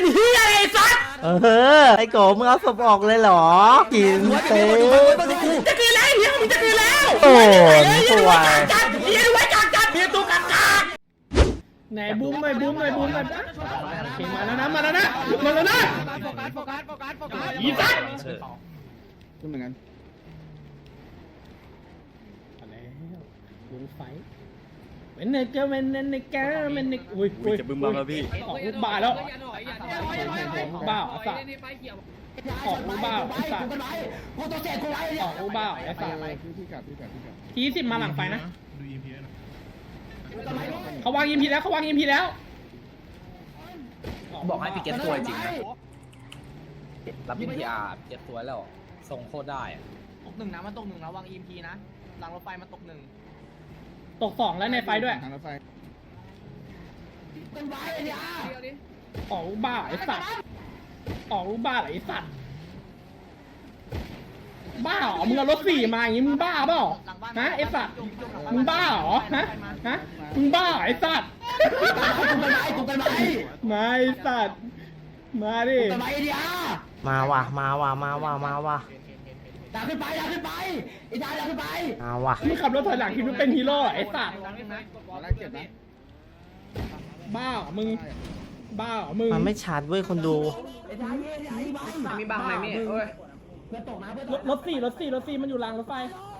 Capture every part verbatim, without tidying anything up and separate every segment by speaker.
Speaker 1: เฮียไอ้สัสเออไอ้โกมึงเอาศพออกเลยเหรอกินเต้จะกินแล้วเฮียมึงจะกินแล้วโอ้ยสวยเฮียไว้จัดจัดเฮียตัวกัดกัดไหนบูมหน่อยบูมหน่อยบูมหน่อยมาแล้วนะมาแล้วนะมาแล้วนะโฟกัสโฟกัสโฟกัสโฟกัสอีสัสเหมือนกันบูมไฟเวนเนเกอร์เวนเนเกอร์เวนเนอุ้ยอุ้ยจะบึ้มบ้าแล้วพี่ออกลูกบ้าแล้วออกลูกบ้าไอ้สัสออกลูกบ้าไอ้สัสออกลูกบ้าไอ้สัสทีสิบมาหลังไฟนะเขาวางยิมพีแล้วเขาวางยิมพีแล้ว
Speaker 2: บอกให้พี่เก็ตตัวจริงนะรับยิมพีอาร์เก็ตตัวแล้วส่งโคตรได้
Speaker 3: ตกหนึ่งนะมันตกหนึ่งนะวางอีมพีนะหลังรถไฟมันตกหนึ่ง
Speaker 1: ตกสองแล้วในไฟด้วยออกลูกบ้าไอ้สัตว์ออกลูกบ้าไอ้สัตว์บ้าเหรอมึงเอารถสี่มาอย่างงี้มึงบ้าเปล่าฮะไอ้สัตว์มึงบ้าเหรอฮะฮะมึงบ้าไอ้สัตว์มาไอ้สัตว์มาดิมาว่ะมาว่ะมาว่ะมาว่ะ
Speaker 3: ดักขึ้นไปดักขึ้นไปไอ้ดาดักขึ้นไป
Speaker 1: เอาว่ะมึงขับรถถอยหลังคิดว่าเป็นฮีโร่ไอ้สัตว์บ้ามึงบ้ามึงมันไม่ชัดเว้ยคนดู
Speaker 2: มีบังไหมมี่เอ้ย
Speaker 1: รถสี่รถสี่รถสี่มันอยู่รางรถไฟ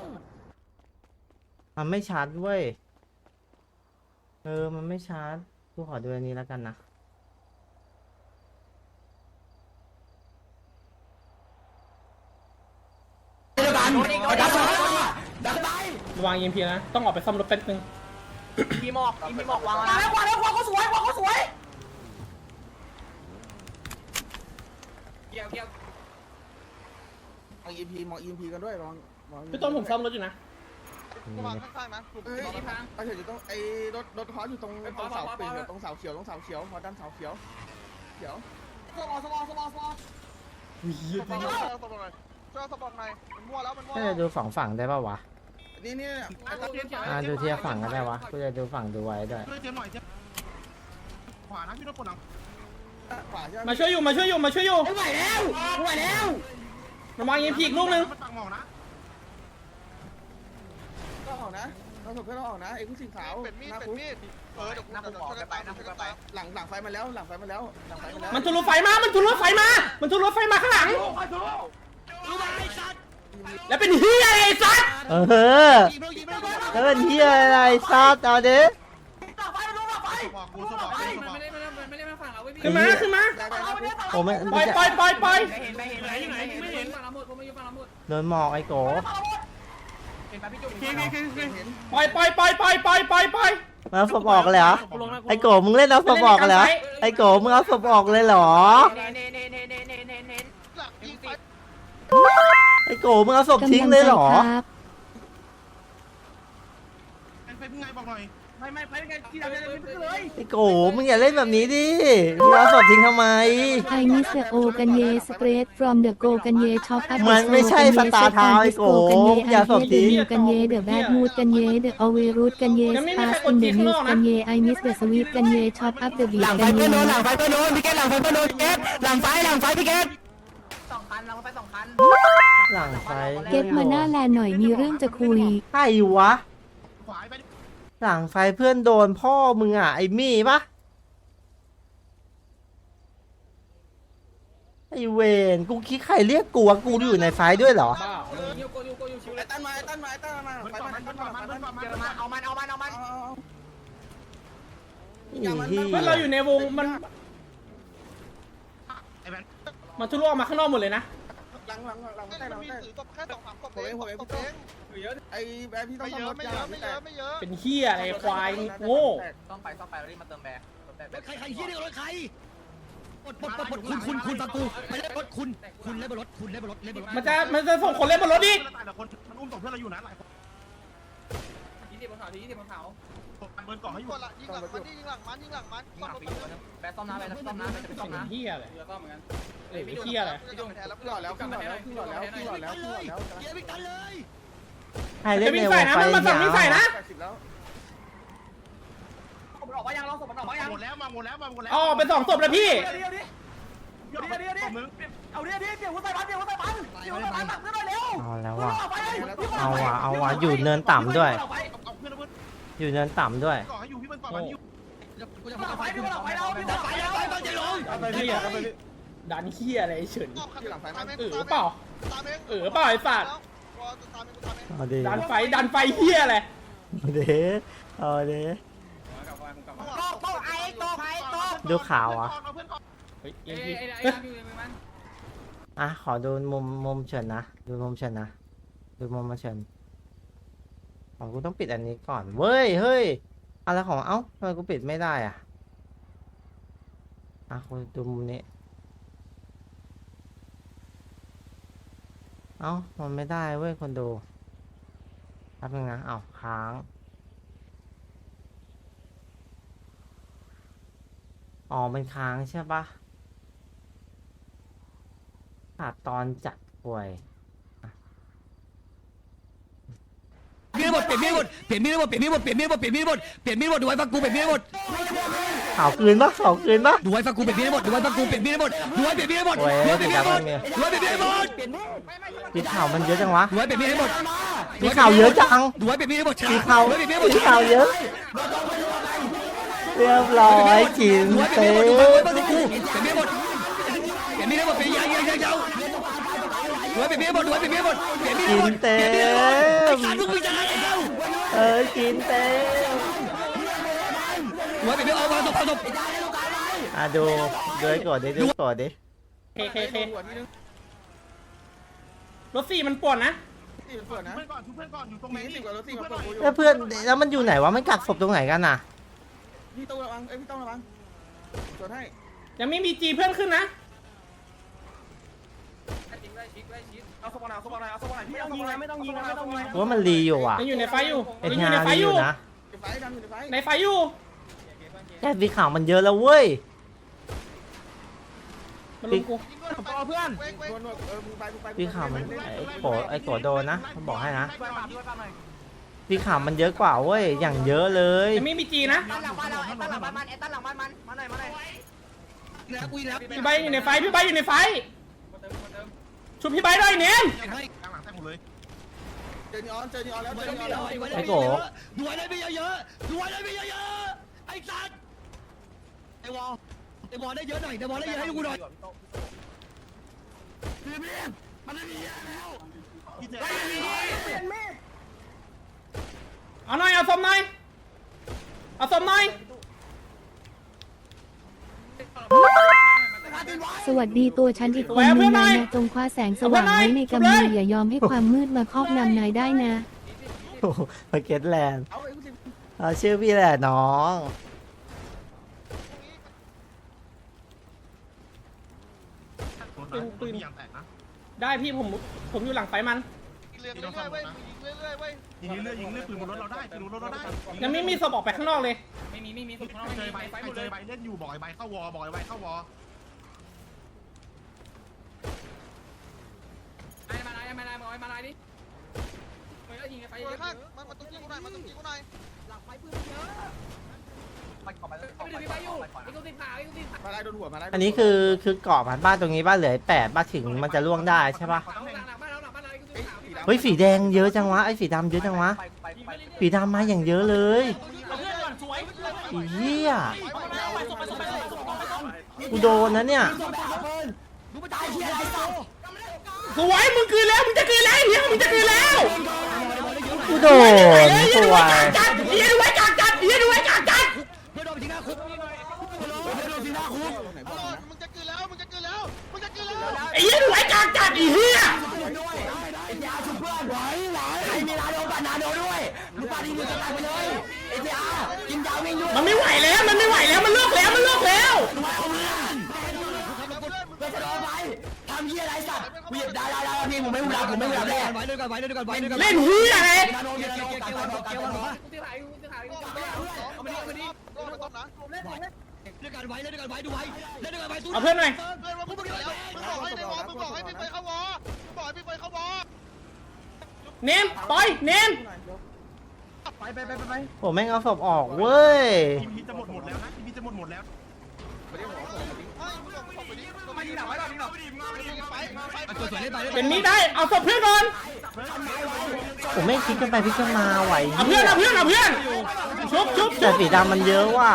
Speaker 1: มันไม่ชัดเว้ยเออมันไม่ชัดกูขอดูอันนี้แล้วกันนะวางยิงพีนะต้องออกไปซ่อมรถแป๊บนึง
Speaker 3: พีหมอกพีหมอกวางแล้ววางแล้ววางเขาสวยวางเขาสวยเกี่ยวเกี่ยว
Speaker 4: มองอีพีมองอีพีกันด้วยลอง
Speaker 1: พี่ต้นผมซ่อมรถอยู่นะ
Speaker 4: วางข้างๆนะเอ้ยไอ้เฉยอยู่ตรงไอ้รถรถคออยู่ตรงตรงเสาปีนตรงเสาเขียวตรงเสาเขียวพอด้านเสาเขียวเขียว
Speaker 3: สมอสมอสมอสมอ
Speaker 4: สปอร์ตหน่อยสปอร์ตหน่อยช่วยสปอร์ตหน่อยมันมั่วแล้วมันมั่ว
Speaker 1: จะดูฝั่งฝั่งได้ป่าวะ
Speaker 4: นี่นี่
Speaker 1: อ่าดูเทียบฝั่งก็ได้วะกูจะดูฝั่งดูไว้ด้วย
Speaker 4: ขวานะพี่รถปวดหลังขวาใช่ไหม
Speaker 1: มาช่วยอยู่มาช่วยอยู่มาช่วยอยู่
Speaker 3: ไม่ไหวแล้วไม่ไหวแล้ว
Speaker 1: ระวังยิงพีกลูกนึง
Speaker 4: ก็ออกนะเราถูกเพื่อนเราออกนะไอ้ผู้สิงขาว
Speaker 2: เป็นมีดเป็นมีดเออเดี๋ยวกูจะออกไปนะกูจะไป
Speaker 4: หลังหลังไฟมาแล้วหลังไฟมาแล้วหลังไฟมาแล้ว
Speaker 1: มันทุรถไฟมามันทุรถไฟมามันทุรถไฟมาข้างหลังแล้วเป็นเฮียอะไรซัดเออแล้วเป็นเฮียอะไรซัดเอาดิขึ้นมาขึ้นมาโอ้ไม่ปล่อยปล่อยปล่อยปล่อยโดนหมอกไอ้โกปล่อยปล่อยปล่อยปล่อยปล่อยปล่อยปล่อยมาศพออกเลยเหรอไอ้โกมึงเล่นเอาศพออกเลยเหรอไอ้โกมึงเอาศพออกเลยเหรอไอ้โกมึงเอาศพทิ้งเลยเหรอ
Speaker 4: ไปเป็นไงบอกหน่อย
Speaker 3: ไม่ไม่ไปเป็นไงที่เราจะเล่นไปเลย
Speaker 1: ไอ้โกมึงอย่าเล่นแบบนี้ดิมึงเอาศพทิ้งทำไม
Speaker 5: ไอ้มิสโอกันเยสเปรด from the go กันเยช็อปอัพ
Speaker 1: มันไม่ใช่สตาร์ทาวน์ไอ้โกอย่าศพทิ้ง
Speaker 5: กันเยเดอะแบดมูดกันเยเดอะอเวรูดกันเยสปาร์อินเดอะนิวกันเยไอมิสเดอะสวีทกันเยช็อปอัพเดอะบี
Speaker 1: หลังไฟเพื่อนโดนหลังไฟเพื่อนโดนพี่เกตหลังไฟเพื่อนโดนเกตหลังไฟหลังไฟพี่เกต
Speaker 3: สองคันหลังไฟสองคัน
Speaker 1: หลังไฟ
Speaker 5: เกตมาหน้าแลนหน่อยมีเรื่องจะคุย
Speaker 1: ใครวะหลังไฟเพื่อนโดนพ่อมึงอ่ะไอ้มี่ปะไอ้เวนกูคิดใครเรียกกูวะกูอยู่ในไฟด้วยเหรอ
Speaker 4: ไอ้ตั้นมาไอ้ตั้นมาไอ้ตั้นมาไฟมันมันมันมัน
Speaker 3: มันเอามันเอามันเอามัน
Speaker 1: เเราอยู่ในวงมันมาทุลุออกมาข้างนอกหมดเลยนะ
Speaker 4: หลังหลังหลังใต้หลังใต้แค่สองสามกบเองผมเองผมเองไอ้แบบพี่ต้องรถยาไม่เยอะไม่เยอะ
Speaker 1: เป็นเหี้ยอะไรควายโง่
Speaker 3: ต้องไปต้องไปแล้วรีบมาเติมแบร์
Speaker 2: ใครใครเหี้ยเนี่ยรถใครปลดปลดปลดคุณคุณคุณฟังกูไปเล่นรถคุณคุณเล่นบนรถคุณเล่นบนรถเล่นบนรถ
Speaker 1: มันจะมันจะส่งคนเล่นบนรถดิ
Speaker 4: มันอุ้มส่งเพื่อนเราอยู่นะหลายคน
Speaker 3: ยี่สิบบนเขายี่สิบบนเขา
Speaker 4: เบิร์นก่อนให้อยู่
Speaker 2: ยิงหลังมันยิงหลังมันยิงหลังมัน
Speaker 3: ยิงหลังมันแบร์ต้อมน้ำแบร์ต้อมน้ำแบร์จะไปต้อมน้ำ
Speaker 1: เหี้ยอะไร
Speaker 3: เรือต้อมเหมือนกัน
Speaker 1: เอ้ยเหี้ยอะไร
Speaker 4: ขึ้นหล่อแล้วขึ้นหล่อแล้วขึ้นหล่อแล้วขึ้นหล่อแล้วขึ้นหล่อแล้ว
Speaker 2: เกียร์ไม่กันเลย
Speaker 1: ใครเล่นในวงไฟ
Speaker 3: มันมาสั่ง
Speaker 1: ไม่
Speaker 3: ใส่นะมันออกมายังเราศพมันออกมายัง
Speaker 4: หมดแล้วมาหมดแล้วมาหมดแล้ว
Speaker 1: อ๋อเป็นสองศพแล้วพี่
Speaker 3: เดี๋ยวเดี๋ยวเดี๋ยวเอาเดี๋ยวเดี๋ยวเดี๋ยวหัวใส่พันเดี๋ยวหัวใส่พันเดี๋ยวหัวใส่พันตักเพื่อนหน่อยเร็ว
Speaker 1: เอาแล้วว่ะ
Speaker 3: ไปเลย
Speaker 1: เอาว่ะเอาว่ะอยู่เนินต่ำด้วย อยู่เนินต่ำด้วย
Speaker 2: กูจะพาไปกูจะไปแล้วไปแล้วไปแล้วใจลง
Speaker 6: เอาไปพี่อะเอาไปพี่ดันเฮียอะไรเฉิน
Speaker 4: ที่หลังไฟไหม
Speaker 6: เออเปล่าเออเปล่าไอ้สัตว์
Speaker 1: เอาดิ
Speaker 6: ดันไฟดันไฟเฮียอะไร
Speaker 1: เอาดิเอาดิ
Speaker 3: โตโตไอ้โตไอ้โต
Speaker 1: ดูข่าวอ่ะ
Speaker 6: เฮ้ยเอ็มพี
Speaker 1: อ่ะขอดูมุมมุมเฉินนะดูมุมเฉินนะดูมุมมาเฉินอ๋อกูต้องปิดอันนี้ก่อนเว้ยเฮ้ยอะไรของเอ้าทำไมกูปิดไม่ได้อ่ะอ่ะกูดูมุมนี้เอ้ามันไม่ได้เว้ยคนดูแป๊บนึงนะเอ้าค้างอ๋อมันค้างใช่ปะขาดตอนจัดป่วย
Speaker 2: มีดหมดเปลี่ยนมีดหมดเปลี่ยนมีดหมดเปลี่ยนมีดหมดเปลี่ยนมีดหมดเปลี่ยนมีดหมดเปลี่ยนมีดหมดดูไว้ฟังกูเปลี่ยนมีดหมด
Speaker 1: ข่าวคืนปะข่าวคืนปะ
Speaker 2: ดูไว้ฟังกูเปลี่ยนมีดหมดดูไว้ฟังกูเปลี่ยนมีดหมดดูไว้เปลี่ยนมีดหมด
Speaker 1: โอ้ย
Speaker 2: ดูไว้เปลี่ยนมีดหมด
Speaker 1: เดี๋ยว
Speaker 2: ดูไว้เปลี่ยนมีดหมด
Speaker 1: พี่ข่าวมันเยอะจังวะ
Speaker 2: ดูไว้เปลี่ยนมีดหมด
Speaker 1: พี่ข่าวเยอะจัง
Speaker 2: ดูไว้เปลี่ยนมีดหมด
Speaker 1: พี่ข่าว
Speaker 2: ดูไว้เปลี่ยนมีดหมด
Speaker 1: พี่ข่าวเยอะ เรียบร้อยกิน
Speaker 2: ดูไว้เปลี่
Speaker 1: เต็
Speaker 2: ยนมีดหมดดูไว้
Speaker 1: ม
Speaker 2: ฟังกูเปลี่ยนมีดหมดเปลี่ยนมีดหมดเปลี่ยนยางยางยางยาวดูไว้เปลี่ยนมีดหมดดูไว้เปลี่ยนมีดหมดเปลี่ยนมีดหม
Speaker 1: กิ
Speaker 2: ด
Speaker 1: นเต็
Speaker 2: เปลี่ยนมีดหมดไอ้
Speaker 1: ม
Speaker 2: สัตว์มึงมีจะอะไรแล้ว
Speaker 1: เออกินเต็ม
Speaker 2: ดูไว้เปลี่ยนมีดเอามาตบเอาตบ
Speaker 1: อ่ะดูดูให้กดดิดูให้กดดิ
Speaker 6: เคเคเค
Speaker 4: หัวที่นึง
Speaker 6: รถสี่มันป่วนนะ
Speaker 4: ที่มันเปิดนะเพื่อนก่อนเพื่อนก่อนอยู่ตรงไหนสิบกว่ารถสี่มาเปิดอยู่
Speaker 1: แล้วเพื่อนแล้วมันอยู่ไหนวะมันกักศพตรงไหนกันน่ะ
Speaker 4: พี่ต้องระวังเอ้ยพี่ต้องระวังจดให้
Speaker 6: ยังไม่มีจีเพื่อนขึ้นนะ
Speaker 3: เอาสปอนเอาสปอนเอาสปอนไม่ต้องยิงนะไม่ต้องยิงนะไม่ต้องยิง
Speaker 1: ว่ามันรีอยู่อ่ะ
Speaker 6: ยังอยู่ในไฟอยู่
Speaker 1: เอ็น
Speaker 6: ยังอยู่
Speaker 1: งา
Speaker 6: ในไฟ
Speaker 1: รี
Speaker 6: อ
Speaker 1: อยู่ ยู่นะ
Speaker 4: ไฟดันอยู่ในไฟ
Speaker 6: ในไฟอยู่
Speaker 1: แค่พี่ข่าวมันเยอะแล้วเว้ย
Speaker 6: มันลุมกู
Speaker 3: ต่อเพื่อน
Speaker 4: นวดนวดเออมึงไปมึงไป
Speaker 1: พี่ข่าวมันไอ้โกรธไอ้โกรธโดนนะผมบอกให้นะ
Speaker 3: ช่วยปาช่วยปาหน่อย
Speaker 1: พี่ข่าวมันเยอะกว่าเว้ยอย่างเยอะเลย
Speaker 6: ยังไม่มีจีนะ
Speaker 3: ตั้งหลังบ้านเราไอ้ตั้งหลังบ้านมันไอ้ตั้งหลังบ้านมันมาหน่อยมาหน่อย
Speaker 2: แล้วกูแล้ว
Speaker 6: พี่ใบอยู่ในไฟพี่ใบอยู่ในไฟชุบพี่ใบด้วยเนียน
Speaker 4: เจอนีออนเจอนีออนแล้วเจอนีออนแล้ว
Speaker 2: ดูไว้ได้ไม่เยอะๆดูไว้ได้ไม่เยอะๆไอ้สัตว์ไอ้วอลไอ้วอลได้เยอะหน่อยไอ้วอลได้เยอะให้กูหน่อยมันไม่มีแล้ว
Speaker 6: เอาหน่อยเอาสมหน่อยเอาสมหน่อย
Speaker 5: สวัสดีตัวฉันอีกคนนึงนายนะจงคว้าแสงสว่างไว้ในกำมืออย่ายอมให้ความมืดมาครอบงำนายได้นะ
Speaker 1: โอ้โหมาเก็ตแลนด์
Speaker 4: เอาไอ้กูสิ
Speaker 1: เอาชื่อพี่แหละน้อง
Speaker 6: ปืนได้พี่ผมผมอยู่หลังไฟมัน
Speaker 4: เรื่อยๆเว้ยยิงเรื่อยๆเว้ย
Speaker 7: ยิงเรื่อยยิงเรื่อยปืนบนรถเราได้ปืนบนรถเราได้
Speaker 6: ยังไม่มีศพออกไปข้างนอกเลย
Speaker 7: ไม่มีไม่มีเจอใบเจอใบเล่นอยู่บอกไอ้ใบเข้าวอบอกไอ้ใบเข้าวอ
Speaker 6: ไอ้มาไอ้มาไอ้มาไอ้มาไอ้ดิไปแล้วยิงไฟ
Speaker 4: ไปข้างมันมันต้องยิงกูหน่อยมันต้องยิงกูหน่อย
Speaker 3: หลังไฟปืนเยอะไปขอไปเลย
Speaker 6: ไปถึงไฟอยู่ไอ้กูติดขาไอ้กูติดขา
Speaker 4: มาไล่โดนหัวมาไล่
Speaker 1: อันนี้คือคือเกาะผ่านบ้านตรงนี้บ้านเหลือแปดบ้านถึงมันจะล่วงได้ใช่ปะ
Speaker 6: หลังหลังบ้านเราหลังบ้านเราไอ้กูติดขา
Speaker 1: เฮ้ยสีแดงเยอะจังวะไอ้สีดำเยอะจังวะ
Speaker 3: ไปไปไป
Speaker 1: สีดำมาอย่างเยอะเลย
Speaker 6: เอาเพื่อนก่อนสวย
Speaker 1: ไอ้เหี้ย
Speaker 6: ไปส่งไปส่งไปส่งไปส่งไปส่ง
Speaker 1: กูโดนนะเนี่ย
Speaker 2: ดูมันตายเฮียอะไรสัตว์
Speaker 6: สวยมึงคืนแล้วมึงจะคืนแล้วเฮียมึงจะคืนแล้ว
Speaker 1: กูโดนสวย
Speaker 6: จัดเฮียดูไว้จัดจัดเฮียดูไว้จัดจัด
Speaker 2: เพื่อนโดนไปทิ้งหน้าคุกเพื่อนโดนทิ้งหน้าคุก
Speaker 4: มึงจะกินแล้วมึงจะกินแล้วมึงจะกินแล้ว
Speaker 6: ไอ้เฮียดูไว้จัดจัดไอ้เฮีย
Speaker 2: ไอ้ยาชุบเพื่อนไหวไหวใครมีนาโดปานาโดด้วยลูกปาดีมือจะตายไปเลยไอ้ยากินยาวิ่งอยู่
Speaker 6: มันไม่ไหวแล้วมันไม่ไหวแล้วมันเลิกแล้วมันเลิกแล้ว
Speaker 2: เพื่อนจะโดนไปทำเฮียอะไรสัตว์กูหยิบได้ได้ได้พี่ผมไม่หูดับผมไม่หูดับแน่ไว้ด้วยกันไว้ด้วยกันไว้ด้วยกัน
Speaker 6: เล่นเฮียไง
Speaker 2: นาโดเกี่ยวเกี่ยวเกี่ยวเกี่ยวเกี่ยวเกี่ยว
Speaker 4: เอามาดิเอามาดิเอามาต้มนะ
Speaker 2: ด้วยกันไว้ด้วยกันไว้ดูไว้ด้วยกันไว้ตู้
Speaker 6: เอาเพื่อนหน่อย
Speaker 4: เพื่อนว่ามึงบอกให้ในวอมึงบอกให้พี่ไปเข้าวอมึงบอกให้พี่ไปเข้าวอ
Speaker 6: เนมปล่อยเนม
Speaker 3: ไปไปไปไป
Speaker 1: ผมแม่งเอาศพออกเว้ย
Speaker 7: ทีมพีจะหมดหมดแล้วนะทีมพีจะหมดหมดแล้ว
Speaker 4: ไปเรียกหัวผมมาดิเฮ้ยมึงบอกมึงบอกไปดิ
Speaker 3: ยิงหนักไว้ก่อนยิงหนัก
Speaker 6: เป็นมีดได้เอาศพเพื่อนก่อน
Speaker 1: ผมไม่คิดกันไปพิจารณาไหว
Speaker 6: เอาเพื่อนเอาเพื่อนเอาเพื่อนชุบชุบ
Speaker 1: แต่สีดำมันเยอะว่ะ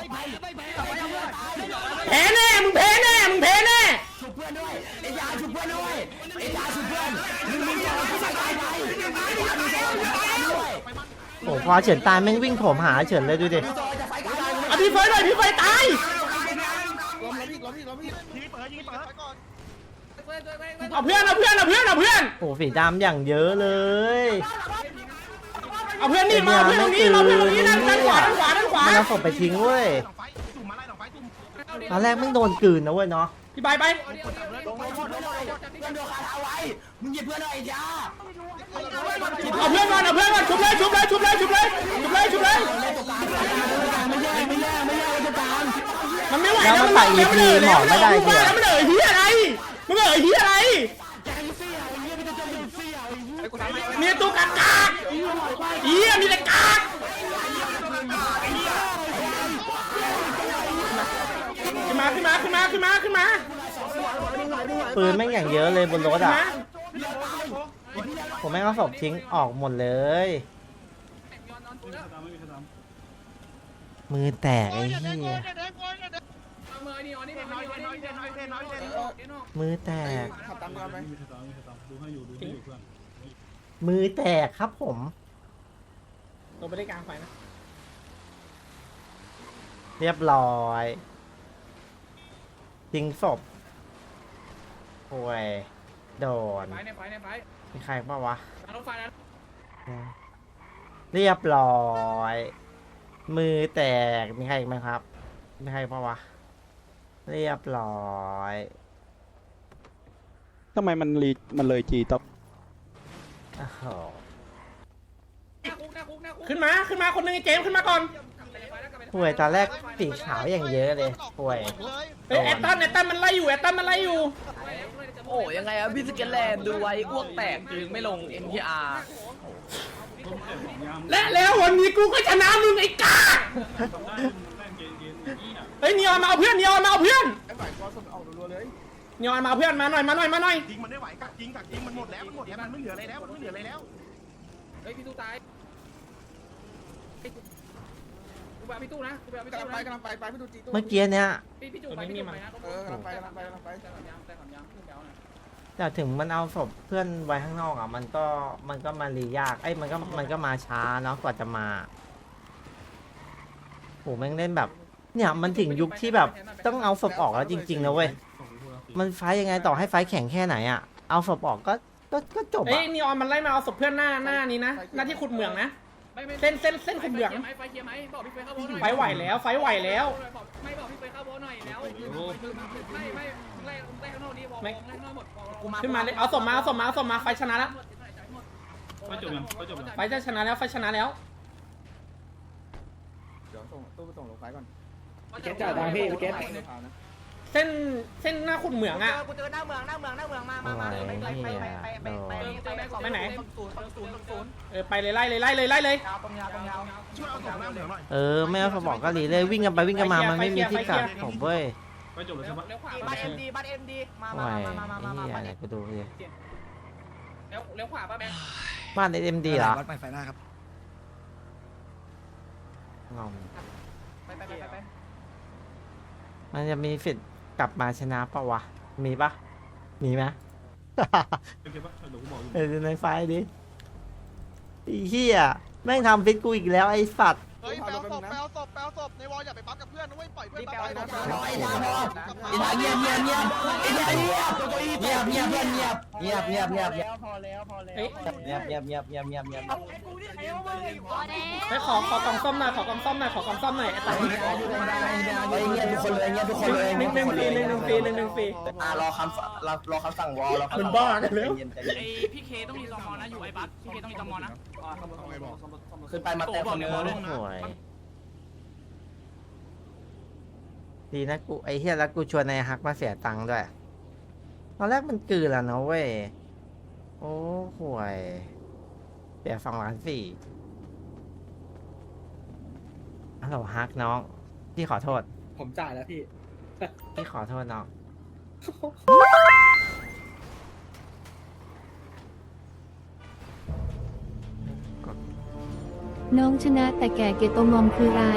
Speaker 6: แพ้แน่มึงแพ้แน่มึงแพ้แน่
Speaker 2: ชุบเพื่อนด้วยไอ้ยาชุบเพื่อนด้วยไอ้ยาชุบเพื่อนมึงมีจอที่ใส่ตายไปไอ้ยามีจอที่ใส่ตายด้วย
Speaker 1: โอ้พอเฉินตายแม่งวิ่งโถมหาเฉินเลยดูดิ
Speaker 2: มีจอจะไฟกลาง
Speaker 6: เอาพี่ไฟหน่อยพี่ไฟตาย
Speaker 4: ล้มล้มอีกล้มอีกล้มอีก
Speaker 7: ยิงเปิดยิงเปิดไปก่อน
Speaker 6: เอาเพื่อนเอาเพื่อนเอาเพื่อนเอาเพื่อน
Speaker 1: โอ้สีดำอย่างเยอะเลย
Speaker 6: เอาเพื่อนนี่มาเอาเพื่อนตรงนี้มาเพื่อนตรงนี้ด้านด้านขวาด้านขวาด้านขวา
Speaker 1: มันเอาศพไปทิ้งเว้ย
Speaker 7: หลังไฟตุ่มมาไล่หลังไฟตุ่ม
Speaker 1: ตอนแรกแม่งโดนกลืนนะเว้ยเนาะ
Speaker 6: พี่ใบไป
Speaker 2: ลงลงลงลงเพื่อนโดนคาถาไว้มึงหยิบเพื่อนหน่อยไอ้ยา
Speaker 6: เอาเพื่อนก่อนเอาเพื่อนก่อนชุบเลยชุบเลยชุบเลยชุบเลยชุบเลยชุบเลย
Speaker 2: ไม่แย่ไม่แย่ไม่แย่จะตาม
Speaker 6: มันไม่ไหว
Speaker 1: แล้วมันใส่ E P หมอไม่ได้
Speaker 6: เหี้
Speaker 1: เหี้
Speaker 6: ย
Speaker 1: ย
Speaker 6: มันเอ่ยเหี้ยอะไรมันเอ่ยเหี้ยอะไรมีตัวกากากเหี้ยมีแต่กากขึ้นมาขึ้นมาขึ้นมาขึ้นมาขึ้นมา
Speaker 1: ปืนแม่งอย่างเยอะเลยบนรถ
Speaker 6: ขึ้น
Speaker 1: อ่ะ
Speaker 6: มา
Speaker 1: ผมแม่งเอาศพทิ้งออกหมดเลย มือแตกไอ้เหี้ยมือแตก
Speaker 4: ขับตามกันไป
Speaker 1: มือแตกครับผม
Speaker 6: ลงไปได้กลางไฟนะ
Speaker 1: เรียบร้อยทิ้งศพโอ้ยโดน
Speaker 6: ไฟในไฟในไฟ
Speaker 1: มีใครป่าวะ
Speaker 6: รถไฟนั้น
Speaker 1: เรียบร้อย มือแตกมีใครอีกไหมครับมีใครป่าวะเรียบร้อย
Speaker 8: ทำไมมันรีมันเลยจีต็อป
Speaker 1: โอ้โห
Speaker 6: ขึ้นมาขึ้นมาคนหนึงไอ้เจมส์ขึ้นมาก่อน
Speaker 1: ป่วยตอนแรกสีขาวอย่างเยอะเลยป่วย
Speaker 6: เฮ้ยแอตตันแอตตันมันไล่อยู่แอตตันมันไล่อยู่
Speaker 9: โอ้ยังไงอะพี่สเกลแลนด์ดูไว้อ้วกแตกจึงไม่ลง เอ็น ที อาร์
Speaker 6: และแล้ววันนี้กูก็ชนะมึงไอ้กาเฮ้ยนีออนมาเอาเพื่อนนีออนมาเอาเพื่อน
Speaker 4: ไอ้ฝ่ายก็สมเอารัวๆเลย
Speaker 6: นีออนมาเอาเพื่อนมาหน่อยมาหน่อยมาหน่อย
Speaker 7: ยิงมันไม่ไหวกักยิงกักยิงมันหมดแล้วมันหมดแล้วมันไม่เหลืออะไรแล้วมันไม่เหลืออะไรแล้ว
Speaker 6: เฮ้ยพี่ตู้ตายกูไปพี่ตู้นะกูไปพี่
Speaker 4: กำลั
Speaker 6: ตู้
Speaker 4: งไป
Speaker 6: นะ
Speaker 4: กำลังไปไปไปดูจีตู้
Speaker 1: เมื่อกี้เนี้ย
Speaker 6: พี่พี่ตู้ไปพี่ตู้ไปนะ
Speaker 4: เออกำลังไปกำลังไปกำลังไป
Speaker 6: แต่ขำยังแต่ขำยังขึ้นแล้วนะ
Speaker 1: แต่ถึงมันเอาศพเพื่อนไว้ข้างนอกอ่ะมันก็มันก็มารียากไอ้ยมันก็มันก็มาช้าเนาะกว่าจะมาโหแม่งเล่นแบบ เนี่ยมันถึงยุคที่แบบต้องเอาศพออกแล้วจริงๆนะเว้ยมันไฟยังไงต่อให้ไฟแข็งแค่ไหนอ่ะเอาศพออกก็ก็ก็จบ
Speaker 6: เฮ้ย
Speaker 1: อ่ะ
Speaker 6: นีออนมันไล่มาเอาศพเพื่อนหน้าหน้านี้นะหน้าที่ขุดเหมืองนะเส้นเส้นเส้นขุดเหมือง
Speaker 3: ไฟเคลียร์ไหมบอกพี่เฟยเข้าโบหน่อย
Speaker 6: ไฟไหวแล้วไฟไหวแล้ว
Speaker 3: ไม่บอกพี่เฟยเข้าโบหน่อยแล้วไม่ไม่ไล่ไล่ข้างนอกดีบอกไล่ข้างนอกหมด
Speaker 6: ขึ้นมาเลยเอาศพมาเอาศพมาเอาศพมาไฟชนะแล้ว
Speaker 3: ไฟจบยังไฟจบยัง
Speaker 6: ไฟจะชนะแล้วไฟชนะแล้ว
Speaker 4: เดี๋ยวส่งตู้ไปส่งลงไฟก่อน
Speaker 3: เก็ตจ่ายตังค์พี่เก็ต
Speaker 6: เส้นเส้นหน้าขุดเหมืองอ่ะ
Speaker 9: กูเจอหน้าเมืองหน้าเมืองหน้าเมืองมามามาไปไปไปไปไปไปไปไหนศูนย์ศูนย์ศูนย์
Speaker 6: เออไปเลยไล่เลยไล่เลยไล่เลย
Speaker 9: ยาวตรงยาวตรงยาว
Speaker 7: ช่วยเอาศพหน้าเหลืองหน่อย
Speaker 1: เออไม่เอาศพออกก็รีเลยวิ่งกันไปวิ่งกันมามันไม่มีที่กักผมเว้ย
Speaker 3: ไฟจบแล้วใช่ปะ
Speaker 9: บ้านเอ็มดีบ้านเอ็มดีมา
Speaker 1: โอ้
Speaker 9: มาย มามามามา
Speaker 1: ไอ้
Speaker 9: มา
Speaker 1: เหี้ยไหนกูดูดิ
Speaker 3: เลี้ยวเลี้ยวขวาป่ะแม่
Speaker 1: บ้านเอ็มดีเหรอ
Speaker 2: วัดใหม่ไฟหน้าครับ
Speaker 1: งอม
Speaker 9: ไปไปไปไป
Speaker 1: มันจะมีสิทธิ์กลับมาชนะปะวะ มีปะมีไหม
Speaker 3: เก็บป่ะเดี๋ยวกูบอกอยู่
Speaker 1: เออในไฟล์ดิไอ้เหี้ยแม่งทำฟิตกูอีกแล้วไอ้สัตว์
Speaker 7: เฮ้ยแปลศพแปลศพแปลศพในวอลอย่าไปปั๊บกับเพื่อนนะเว้ยปล่อยเพื่อน
Speaker 9: แปล
Speaker 7: ไป
Speaker 9: ว่า
Speaker 7: นะ
Speaker 2: ไอ้ยาพอไอ้ยาเงียบเงียบเงียบไอ้ยาเงียบเงียบเงียบเงียบเงียบเงียบเงียบเงียบเงียบ
Speaker 9: พอแล้วพอแล้ว
Speaker 6: เฮ้ย
Speaker 2: เงียบเงียบเงียบเงียบเงียบเงียบ
Speaker 6: เฮ้ยขอขอกล่องซ่อมหน่อยขอกล่องซ่อมหน่อยขอกล่องซ่อมหน่อยไอ้ตา
Speaker 2: ไอ้เงียบทุกคนเลยเงียบทุกคนเลย
Speaker 6: หนึ่งหนึ่งฟรีหนึ่งหนึ่งฟรีหนึ่งหนึ่งฟรี
Speaker 2: อ่ารอคำรอรอคำสั่งวอลรอ
Speaker 6: มันบ้ากันแล้ว
Speaker 3: ไอพี่เคต้องมีตมนะอยู่ไอ้บัสพี่เคต้องมีตมนะ
Speaker 2: ขึ้นไปมาแต่คนนึง
Speaker 1: โอ้ยดีนะกูไอ้เหี้ยแล้วกูชวนนายฮักมาเสียตังค์ด้วยตอนแรกมันกืนแล้วนะเว้ยโอ้ห่วยเสียสองล้านสี่ฮัลโหลฮักน้องพี่ขอโทษ
Speaker 9: ผมจ่ายแล้วพี่
Speaker 1: พี่ขอโทษน้อง
Speaker 5: น้องชนะแต่แก่เกตงอมคือไร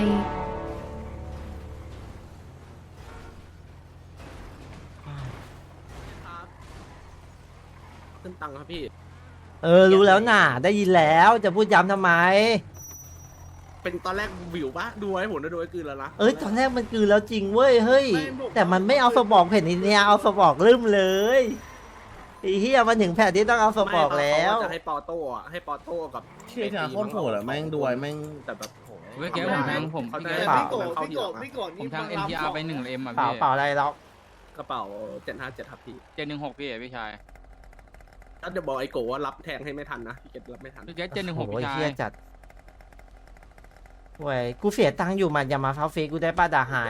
Speaker 4: ขึ้นตังค์ครับพี่
Speaker 1: เออรู้แล้วน่ะได้ยินแล้วจะพูดย้ำทำไม
Speaker 4: เป็นตอนแรกวิวปะดูไว้ผมได้ดูไว้คืนแล้วนะ
Speaker 1: เอ้ยตอนแรกมันคือแล้วจริงเว้ยเฮ้ยแต่มันไม่เอาสมองแผ่นนี้เนี่ยเอาสมองลืมเลยไอ้เหี้ยมันถึงแผ่นที่ต้องเอาสมองแล้ว
Speaker 4: จะให้ปอโต้อะให้ปอโต้กับ
Speaker 10: เชี่ยโคตรโหดอะแม่งด้วยแม่ง
Speaker 4: แต่แบบโห
Speaker 6: เมื่อกี้ผมแทงผม
Speaker 4: เขาจะ
Speaker 6: พี่
Speaker 4: ให้
Speaker 1: เปล่า
Speaker 4: เขาที่หลังอะ
Speaker 6: ผมทาง เอ็น ที อาร์ ไปหนึ่งเอ็มอ่ะ
Speaker 1: เปล่า
Speaker 6: พี่
Speaker 1: เปล่าอะไรหรอก
Speaker 4: กระเป๋าเจ็ดห้าเจ็ดครับพี่
Speaker 6: เจ็ดหนึ่งหกพี่พี่ชาย
Speaker 4: ถ้าจะบอกไอ้โกว่ารับแทงให้ไม่ทันนะพี่เกตรับไม่ทัน
Speaker 6: พี่แกเจ็ดหนึ่งหก
Speaker 1: โอ้ย
Speaker 6: พี่ชาย
Speaker 1: เหี้ยจัดเว้ยกูเสียตังค์อยู่มันอย่ามาเฝ้าเฟซกูได้ป้าด่าหาย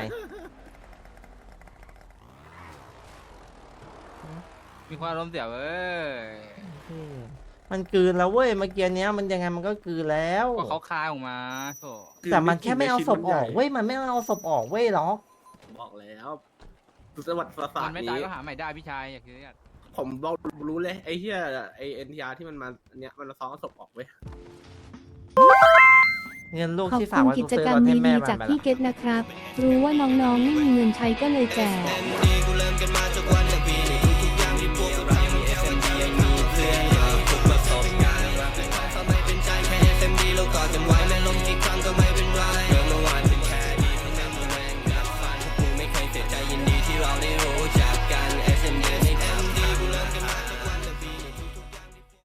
Speaker 6: มีความล้มเสียเว้ย
Speaker 1: มันกลืนแล้วเว้ยเมื่อกี้เนี้ยมันยังไงมันก็กลืนแล้ว
Speaker 6: ก็เขาคายออกมาโถ
Speaker 1: แต่มันแค่ไม่เอาศพออกเว้ยมันไม่เอาศพออกเว้ยหรอก
Speaker 4: บอกแล้วสวัสดิ์ประสา
Speaker 6: มั
Speaker 4: ท
Speaker 6: นไม่ตาย
Speaker 4: นี้
Speaker 6: ก็หาใหม่ได้พี่ชายอย่าคิดอยาก
Speaker 4: ผมบอกรู้เลยไอ้เหี้ยไอ้เอ็นทีอาร์ที่มันมาเนี้ยมันซ้อมศพออกเว้ย
Speaker 1: เงินลูก
Speaker 5: ขอบ
Speaker 1: ที่ฝาก
Speaker 5: คุณ
Speaker 1: ไว้
Speaker 5: กิ
Speaker 1: กู
Speaker 5: จ
Speaker 1: ซื้อก
Speaker 5: รร
Speaker 1: ร
Speaker 5: ม
Speaker 1: ถให้แม่
Speaker 5: ดี
Speaker 1: มัน
Speaker 5: ๆจาก
Speaker 1: ไป
Speaker 5: พี่
Speaker 1: ละ
Speaker 5: เกตนะครับ รู้ว่าน้องๆไม่มีเงินใช้ก็เลยแจก
Speaker 10: กูเริ่มกันมาจากวันหนึ่งปีนี้